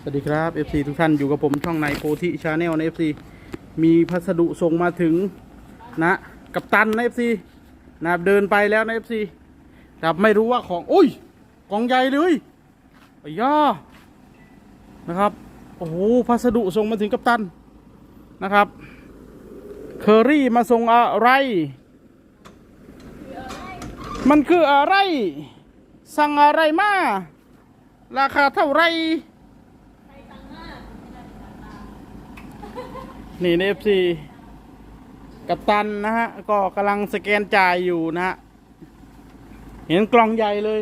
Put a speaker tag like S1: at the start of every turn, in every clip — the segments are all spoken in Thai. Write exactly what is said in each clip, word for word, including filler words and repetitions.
S1: วัสดีครับ เอฟ ซี ทุกท่านอยู่กับผมช่องในโพธิชาแนลใน เอฟ ซี มีพัสดุส่งมาถึงนะกัปตันใน เอฟ ซี นะเดินไปแล้วใน เอฟ ซี แต่ไม่รู้ว่าของอุ้ยกล่องใหญ่เลยไอ้ย่านะครับโอ้โหพัสดุส่งมาถึงกัปตันนะครับเคอรี่มาส่งอะไรมันคืออะไรสั่งอะไรมาราคาเท่าไรนี่เอฟซีกัปตันนะฮะก็กำลังสแกนจ่ายอยู่นะฮะเห็นกล่องใหญ่เลย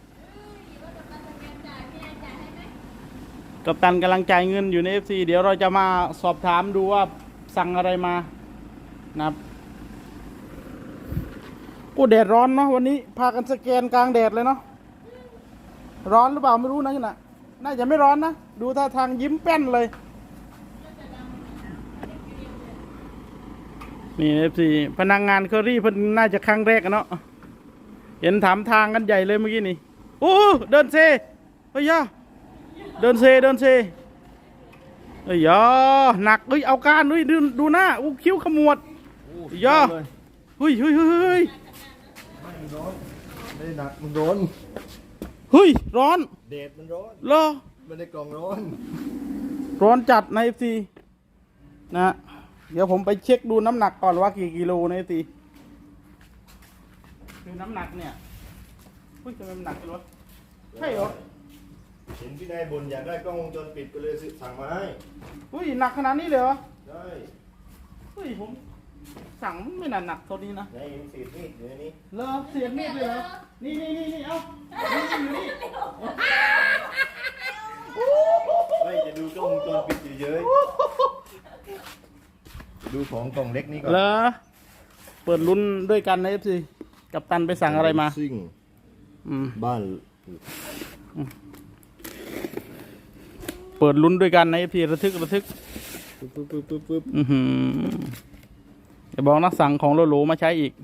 S1: กัปตันกำลังจ่ายเงินอยู่ใน เอฟ ซี เดี๋ยวเราจะมาสอบถามดูว่าสั่งอะไรมานะครับกูแดดร้อนเนาะวันนี้พากันสแกนกลางแดดเลยเนาะร้อนหรือเปล่าไม่รู้นะนี่นะน่าจะไม่ร้อนนะดูท่าทางยิ้มแป้นเลยนี่เอฟซีพนักงานเคอรี่เพิ่นน่าจะครั้งแรกเนาะเห็นถามทางกันใหญ่เลยเมื่อกี้นี่โอ้เดินเซเฮ้ยย่าเดินเซเดินเซเฮ้ยย่าหนักเฮ้ยเอาการด้วยดูดูหน้าอู้คิ้วขมวดย่าเฮ้ยเฮ้ยเฮ้ยเฮ้ย
S2: มันร้อนไม่ได้หนักมันร้อน
S1: เฮ้ยร้อน
S2: เดดมันร้อน
S1: เหรอ
S2: ไม่ได้กล่องร้อน
S1: ร้อนจัดใน เอฟ ซี นะเดี๋ยวผมไปเช็คดูน้ำหนักก่อนว่ากี่กิโลใน เอฟ ซี ดูน้ำหนักเนี่ยเฮ้ยทำไมมันหนักจังวะใช่เหรอ
S2: เห็นพี่นายบ่นอยากได้กล้องวงจรปิดก็เลยสั่งมาให้
S1: เฮ้ยหนักขนาดนี้เลยเหรอ
S2: ใช่
S1: เฮ้ยผมสั่งไม่หนักหนักเท่านี้นะ
S2: ในเห็นเศษมีดอยู่ในนี้
S1: เหรอเศษมีดเลยเหรอนี่นี่นี่นี่เอานี่อยู่นี่
S2: ไม่จะดูกล้องวงจรปิดเยอะๆดูของกล่องเล็กนี้ก่อน
S1: เหรอเปิดลุ้นด้วยกันนะ เอฟ ซี กัปตันไปสั่งอะไรมา
S2: ซิ่งบ้าน
S1: เปิดลุ้นด้วยกันนะ เอฟ ซี ระทึกระทึก
S2: ปึ๊บปึ๊บปึ๊บปึ๊บปึ๊บ
S1: อือหือจะบอกนักสั่งของโลโลมาใช้อีก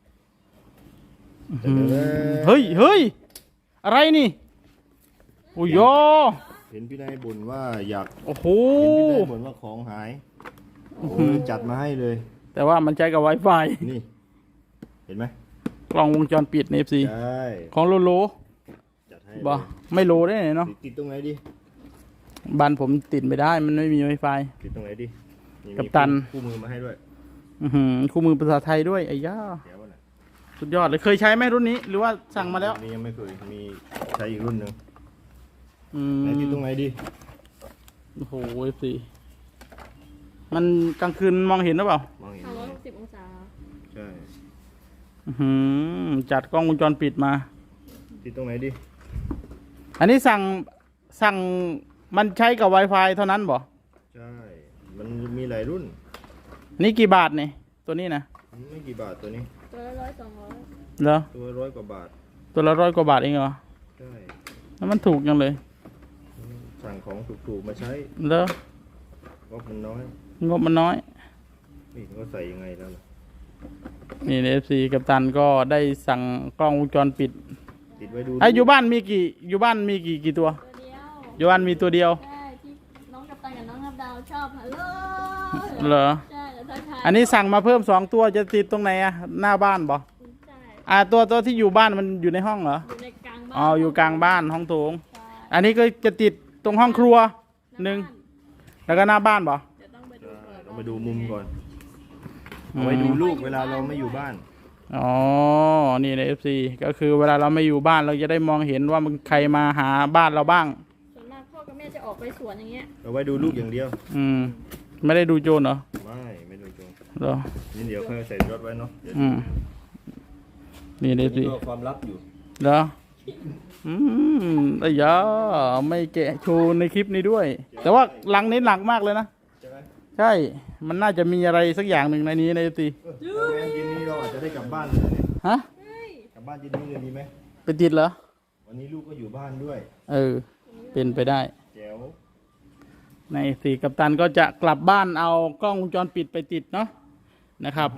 S1: เฮ้ยเฮ้ยอะไรนี่โอ้ย
S2: เห็นพี่นายบ่นว่าอยาก
S1: โอ้โห
S2: เห็นพี่นายบ่นว่าของหายโอ้จัดมาให้เลย
S1: แต่ว่ามันใช้กับ Wi-Fi
S2: นี่เห็นไหม
S1: กล้องวงจรปิดใน เอฟ ซี
S2: ใช่
S1: ของโลโล
S2: จัดให้
S1: บ่ไม่โลได้เนาะ
S2: ติดตรงไหนดิ
S1: บ้านผมติดไม่ได้มันไม่มี Wi-Fi
S2: ติดตรงไหนดิ
S1: กัปตัน
S2: คู่มือมาให้ด้วย
S1: อือหือคู่มือภาษาไทยด้วยไอ้ย่าสุดยอดเลยเคยใช้ไหมรุ่นนี้หรือว่าสั่งมาแล้ว
S2: นี่ยังไม่เคยมีใช้อีกรุ่นหนึ่ง
S1: อืม
S2: ไหนติดตรงไหนดิ
S1: โอ้โห เอฟ ซี มันกลางคืนมองเห็นหรือเปล่าม
S2: องเห็น
S3: สามร้อยหกสิบองศา
S2: ใช่
S1: อืมจัดกล้องวงจรปิดมา
S2: ติดตรงไหนดิ
S1: อันนี้สั่งสั่งมันใช้กับ Wi-Fi เท่านั้นบ่
S2: ใช่มันมีหลายรุ่น
S1: นี่กี่บาทนี่ตัวนี้นะ
S2: ไม่กี่บาทตัวนี้
S3: ตัวละร้อยสองร้อย
S1: เหรอ
S2: ตัวร้อยกว่าบาท
S1: ตัวละร้อยกว่าบาทเองเหรอ
S2: ใช่
S1: แล้วมันถูกยังเลย
S2: สั่งของถูกๆมาใช้
S1: เหรอง
S2: บมันน้อย
S1: งบมันน้อย
S2: นี่ก็ใส่ยังไงแล้ว
S1: นี่เอฟซีกัปตันก็ได้สั่งกล้องวงจรปิด
S2: ติดไว้ดู
S1: ไอ้อยู่บ้านมีกี่อยู่บ้านมีกี่กี่ตัว
S3: ตัวเดียว
S1: อยู่บ้านมีตัวเดียว
S3: ใช่ที่น้องกัปตันกับน้องนับดาวชอบฮัลโหล
S1: เหรอ
S3: ใช่แล้วทักทาย
S1: อันนี้สั่งมาเพิ่มสองตัวจะติดตรงไหนอะหน้าบ้านบ่
S3: ใช่
S1: อ่าตัวตัวที่อยู่บ้านมันอยู่ในห้องเหรอ
S3: อยู่ในกลางบ้าน
S1: อ๋ออยู่กลางบ้านห้องโถงอันนี้ก็จะติดตรงห้องครัวหนึ่งแล้วก็หน้าบ้านบ่
S3: จะต้องไปดูก่อน
S2: เรามาดูมุมก่อนเอาไว้ดูลูกเวลาเราไม่อยู่บ้าน
S1: อ๋อนี่ใน เอฟ ซี ก็คือเวลาเราไม่อยู่บ้านเราจะได้มองเห็นว่ามันใครมาหาบ้านเราบ้าง
S3: ส่วนมากพ่อกับแม่จะออกไปสวนอย่างเงี้ย
S2: เอาไว้ดูลูกอย่างเดียว
S1: อืมไม่ได้ดูโจรเหรอ
S2: ไม่ไม่ดูโจร
S1: เหรอ
S2: นี่เดี๋ยวค่อยใส่รถไว้เนาะ
S1: อืมนี่ใน เอฟ ซี
S2: ความลับอยู่
S1: เหรออืมไอ้ยาไม่แกะโชว์ในคลิปนี้ด้วยแต่ว่าหลังนี้หนักมากเลยนะใช่มันน่าจะมีอะไรสักอย่างหนึ่งในนี้ใน เอฟ ซี
S2: เย็นนี้เราอาจจะได้กลับบ้านเลย
S1: ฮะ
S2: กลับบ้านเย็นนี้เลยดีไหม
S1: ไปติดเหรอ
S2: วันนี้ลูกก็อยู่บ้านด้วย
S1: เออเป็นไปได้
S2: แจ๋ว
S1: ในสี่กัปตันก็จะกลับบ้านเอากล้องวงจรปิดไปติดเนาะนะครับ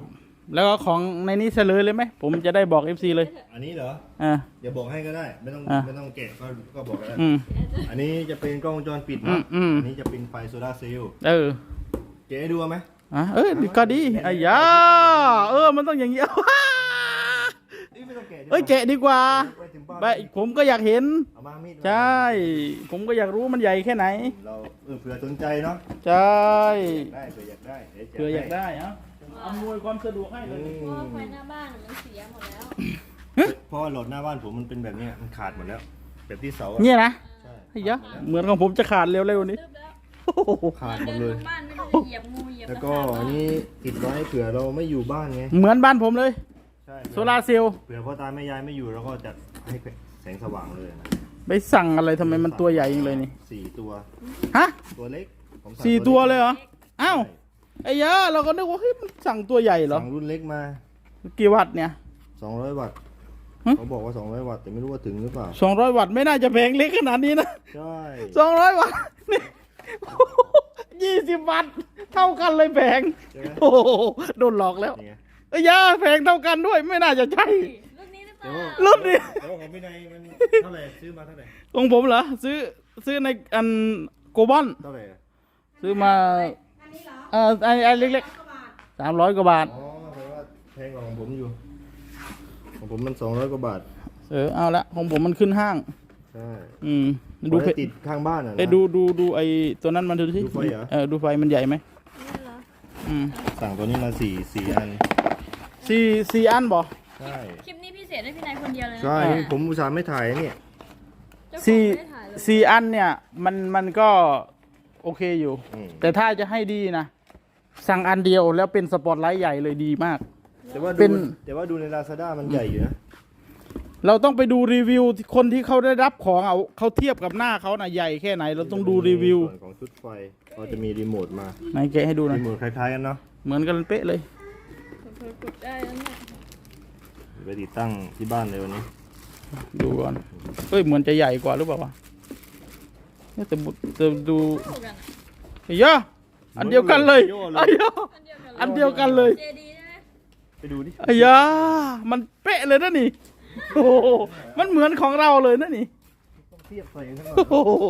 S1: แล้วก็ของในนี้เฉลยเลยไหมผมจะได้บอก เอฟ ซี เลย
S2: อันนี้เหรอ
S1: อ่า
S2: เดี๋ยวบอกให้ก็ได้ ไม่ต้อง
S1: อ่ะ
S2: ไม่ต้องแกะก็ก็บอกก็ได้
S1: อืม
S2: อันนี้จะเป็นกล้องวงจรปิด
S1: อื
S2: เนาะ
S1: มอืม
S2: อันนี้จะเป็นไฟโซลาร์เซลล์
S1: เออ
S2: แกะให้ดูไหม
S1: อ่ะเออก็ดีไอ้ยาเออมันต้องอย่างเงี้ย
S2: นี่ไม่ต้องแกะดีกว่า
S1: เอ้ยแกะดีกว่า
S2: ไปถึงบ้าน
S1: ไปผมก็อยากเห็น
S2: เอามามีดมา
S1: ใช่ ผมก็อยากรู้มันใหญ่แค่ไหน
S2: เราเออเผื่อสนใจเนาะ
S1: ใช่
S2: ได้เผื่ออยากได้ดี๋วจะ
S1: เผื่ออยากได้เอ่ะอำนวยความสะดวกให้เลย
S2: อื
S3: เพราะว่าไฟ
S2: ม
S3: หน้าบ้านมันเสียหมดแล้ว
S2: เพราะว่าโหลดหน้าบ้านผมมันเป็นแบบเนี้ยมันขาดหมดแล้ว แบบที่เสาอะ
S1: เนี่ยนะ
S2: ใช่
S1: ไอ้ยะเหมือนของผมจะขาดเร็วๆนี้
S3: ตึ๊บแล้ว
S1: โอ้โห
S2: ขาดหม
S3: เดิ
S2: ด
S3: น
S2: เล
S3: ล
S2: ย
S3: งบ้านไม่รู้จะเหยียบงูเหยียบ
S2: แล้ว
S3: ตะ
S2: ก็
S3: ขาบ
S2: อันนี้ติดไว้เผื่อเราไม่อยู่บ้านไง
S1: เหมือนบ้านผมเลย
S2: ใช่
S1: โซลาร์เซลล์
S2: เผื่อพ่อตาแม่ยายไม่อยู่เราก็จะให้แสงสว่างเลยนะ
S1: ไปสั่งอะไรทำไมมันตัวใหญ่จริงเลยนี่
S2: สี่ตัว
S1: ฮะ
S2: ตัวเล็กผมสั่ง
S1: สี่ตัวเลยเหรอ
S2: ใช่
S1: อ้าวไอ้ยะเราก็นึกว่าเฮ้ยมันสั่งตัวใหญ่เหรอ
S2: สั่งรุ่นเล็กมา
S1: กี่วัตต์เนี่ย
S2: สองร้อยวัตต์
S1: ฮะ
S2: เขาบอกว่าสองร้อยวัตต์แต่ไม่รู้ว่าถึงหรือเปล่า
S1: สองร้อยวัตต์ไม่น่าจะแพงเล็กขนาดนี้นะ
S2: ใช่
S1: สองร้อยวัตต์นี่ยี่สิบวัตต์เท่ากันเลยแพง
S2: ใช่ไหม
S1: โอ้โหโดนหลอกแล้ว
S2: นี่ไง
S1: ไอ้ยะแพงเท่ากันด้วยไม่น่าจะใช่
S3: รุ่นนี้หรือเปล่า
S1: รุ่นนี้
S2: แล้วของพี่นายมันเท่าไหร่ซื้อมาเท่าไหร่
S1: ของผมเหรอซื้อซื้อในอันโกบอน
S2: เท่าไหร่อะ
S1: ซื้อมาเออไอ้ไอ้เล็กๆสามร้อยกว่าบาท
S2: อ๋อแปลว่าแพงกว่าของผมอยู่ของผมมันสองร้อยกว่าบาท
S1: เออเอาละของผมมันขึ้นห้าง
S2: ใช่
S1: อืม
S2: ดู
S1: ดูเพ
S2: ติดข้างบ้านอ่ะนะ
S1: เอ้ยดูดูดูไอ้ตัวนั้นมันดูสิ
S2: ดูไฟเหรอ
S1: เออดูไฟมันใหญ่ไหม
S3: นี่เหรอ
S1: อืม
S2: สั่งตัวนี้มาสี่สี่อัน
S1: สี่สี่อันบ่
S2: ใช่
S3: คลิปนี้พิเศษให้พี่นายคนเดียวเลยนะ
S2: ใช่
S3: เนี่ย
S2: ผมอุตส่าห์ไม่ถ่ายเนี่ย
S3: เจ้าของ
S1: สี่
S3: ไม่ได้ถ่ายเลย
S1: สี่อันเนี่ยมันมันก็โอเคอยู่
S2: อืม
S1: แต่ถ้าจะให้ดีนะสั่งอันเดียวแล้วเป็นสปอตไลท์ใหญ่เลยดีมาก
S2: แต่ว่า
S1: เป็
S2: ดู
S1: น
S2: แต่ว่าดูใน Lazada มันใหญ่อยู่นะ
S1: เราต้องไปดูรีวิวคนที่เขาได้รับของเอาเขาเทียบกับหน้าเขาน่ะใหญ่แค่ไหน เราต้องดูรีวิว
S2: ส่วนของชุดไฟเขาจะมีรีโมทมา
S1: ไหนแกะให้ดูหน่อย
S2: รีโมทคล้ายๆกันเนาะ
S1: เหมือนกันเป๊ะเลย
S3: เผลอๆกดได้แล้วเนี่ย
S2: ไปติดตั้งที่บ้านเลยวันนี้
S1: ดูก่อนเอ้ยเหมือนจะใหญ่กว่าหรือเปล่าวะเนี่ยแต่บุแต่ดู
S3: เท่ากันอะ
S1: เฮ้ยยะอันเดียวกันเลยไอ้ยะ
S3: อันเดียวกันเลย
S1: อันเดียวกันเลย
S3: เจดีใช่ไหม
S2: ไปดูดิ
S1: ไอ้ยะมันเป๊ะเลยนะนี่โอ้โหมันเหมือนของเราเลยนะนี่
S2: ต้องเทียบใส่กันทั้งหมด
S1: โอ้โห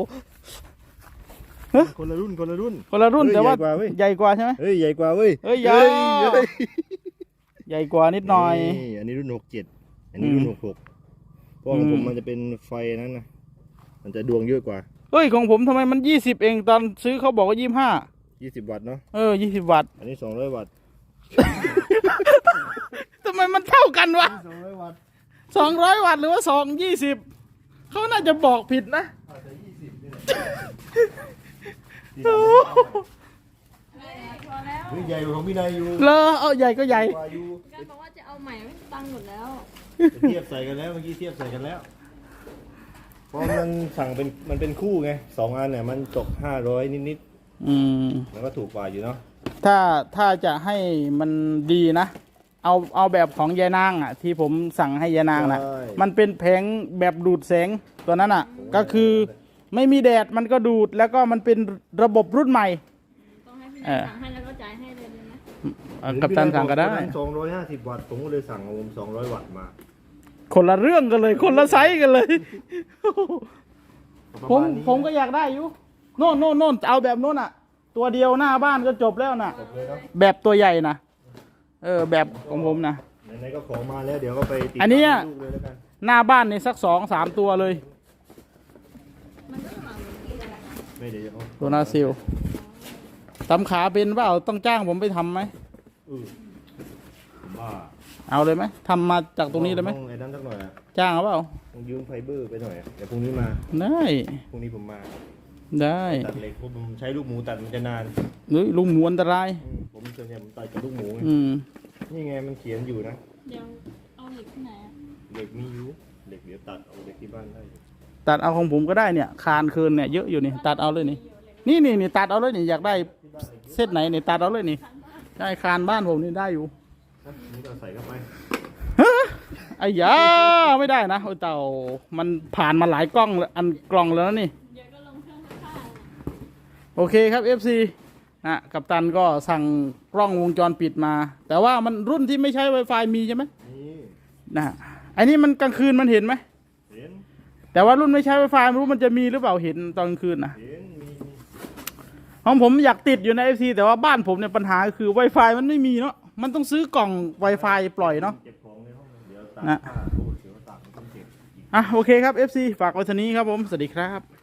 S2: คนละรุ่นคนละรุ่น
S1: คนละรุ่น
S2: เฮ้ย
S1: แต่ว่า
S2: ใหญ่กว่าเว้ย
S1: ใหญ่กว่าใช่ไหม
S2: เฮ้ยใหญ่กว่าเว้ย
S1: เฮ้ยยา
S2: เฮ้ย
S1: ใหญ่กว่านิดหน่อย
S2: นี่อันนี้รุ่นหกเจ็ดอันนี้รุ่น
S1: อืม
S2: หกหกเพราะของผม
S1: อืม
S2: มันจะเป็นไฟนั้นนะมันจะดวงเยอะกว่า
S1: เฮ้ยของผมทำไมมันยี่สิบเองตอนซื้อเขาบอกว่ายี่ห้า
S2: ยี่สิบวัตต์เนาะ
S1: เออยี่สิบวัตต์
S2: อันนี้สองร้อยวัตต์
S1: ทำไมมันเท่ากันวะ
S2: สองร้อยวัตต์
S1: สองร้อยวัตต์หรือว่าสองยี่สิบเขาน่าจะบอกผิดนะ
S2: อาจจะยี่สิบนี่แหละ
S1: โอ้โห
S3: พอแล้ว
S2: เฮ้ยใหญ่กว่าของพี่นายอยู่
S1: เลอเอาใหญ่ก็ใหญ่
S2: กว่าอยู่
S3: การบอกว่าจะเอาใหม่ไม่ตังค์หมดแล้ว
S2: เทียบใส่กันแล้วเมื่อกี้เทียบใส่กันแล้วเพราะมันสั่งเป็นมันเป็นคู่ไงสองอันเนี่ยมันตกห้าร้อยนิด
S1: อืม
S2: ๆมันก็ถูกกว่าอยู่เนาะ
S1: ถ้าถ้าจะให้มันดีนะ เอาเอาแบบของยายนางอ่ะ ที่ผมสั่งให้ยายนางนะ
S2: ใช่
S1: มันเป็นแผงแบบดูดแสงตัวนั้นอ่ะ ก็คือไม่มีแดดมันก็ดูดแล้วก็มันเป็นระบบรุ่นใหม่
S3: ต้องให้พี่
S1: เอ
S3: นาย
S1: อ
S3: สั่งให้แล้วก็จ่ายให้เลยเลยนะ
S1: เอ่อกับตันสั่งก็ได้
S2: สองร้อยห้าสิบวัตต์ผมก็เลยสั่งของผมสองร้อยวัตต์มา
S1: คนละเรื่องกันเลย คนละไซส์กันเลย
S2: ประ
S1: ผม
S2: มาณนี้
S1: ผมก็อยากได้อยู่โน่นโน่นโน่นเอาแบบโน่นอ่ะ ตัวเดียวหน้าบ้านก็จบแล้วนะ
S2: จบเลยเนาะ
S1: แบบตัวใหญ่นะเออแบบของผมนะ
S2: ไหนๆก็ของมาแล้วเดี๋ยวก็ไปติด
S1: อันเนี้ย
S2: ตั้งลูกเลยแล้วกัน
S1: หน้าบ้านนี่สักสองสามตัวเลย
S3: มันก็สมัครเหมือนกันนะ
S2: ไม่เดี๋ยวจะเอา
S1: ตัวนาซิลทำขาเป็นเปล่าต้องจ้างผมไปทำไหม
S2: เออผมว่า
S1: เอาเลยไหมทำมาจากตรงนี้เลยไหม
S2: ต้องไอ้นั่นสักหน่อยอะ
S1: จ้างเอาเปล่า
S2: ต้องยืมไฟเบอร์ไปหน่อยอะเดี๋ยวพรุ่งนี้มา
S1: ได้
S2: พรุ่งนี้ผมมา
S1: ได้
S2: ตัดเหล็กเพราะผมใช้ลูกหมูตัดมันจะนาน
S1: หรือลุงหมูอันตราย
S2: อืมผมส่วนใหญ่ผมตัดกับลูกหมูไง
S1: อืม
S2: นี่ไงมันเขียนอยู่นะ
S3: เดี๋ยวเอาเหล็กที่ไหนอะ
S2: เหล็กมีอยู่เหล็กเดี๋ยวตัดเอาเหล็กที่บ้านได้อยู่
S1: ตัดเอาของผมก็ได้เนี่ย คานคืนเนี่ยเยอะอยู่นี่ตัดเอาเลยนี่นี่นี่นี่ตัดเอาเลยนี่อยากได้เส้นไหนนี่ตัดเอาเลยนี่ใช่คานบ้านผมนี่ได้อยู่
S2: นะนี่ก็ใส่เข้าไป
S1: ไอ้ยาไม่ได้นะโอ้ยเต่ามันผ่านมาหลายกล้องแล้วอันกล่องแล้วนะนี่
S3: เดี๋ยวก็ลงเครื่องซักผ้า
S1: โอเคครับ เอฟ ซีนะกัปตันก็สั่งกล้องวงจรปิดมา แต่ว่ามันรุ่นที่ไม่ใช้ Wi-Fi มีใช่ไหม
S2: นี่
S1: นะไอ้นี่มันกลางคืนมันเห็นไหม
S2: เห็น
S1: แต่ว่ารุ่นไม่ใช้ Wi-Fi ไม่รู้มันจะมีหรือเปล่าเห็นตอนกลางคืนนะ
S2: เห็นมีมี
S1: ของผมอยากติดอยู่ใน เอฟ ซี แต่ว่าบ้านผมเนี่ยปัญหาคือ Wi-Fi มันไม่มีเนาะมันต้องซื้อกล่อง Wi-Fi ปล่อยเนาะ
S2: เก็บของในห้องเดี๋ยวตาก
S1: นะ
S2: ผ้าโอ้เดี๋ยวตากมันต้องเก็บอีก
S1: อ่ะโอเคครับ เอฟ ซี ฝากไว้เท่านี้ครับผมสวัสดีครับ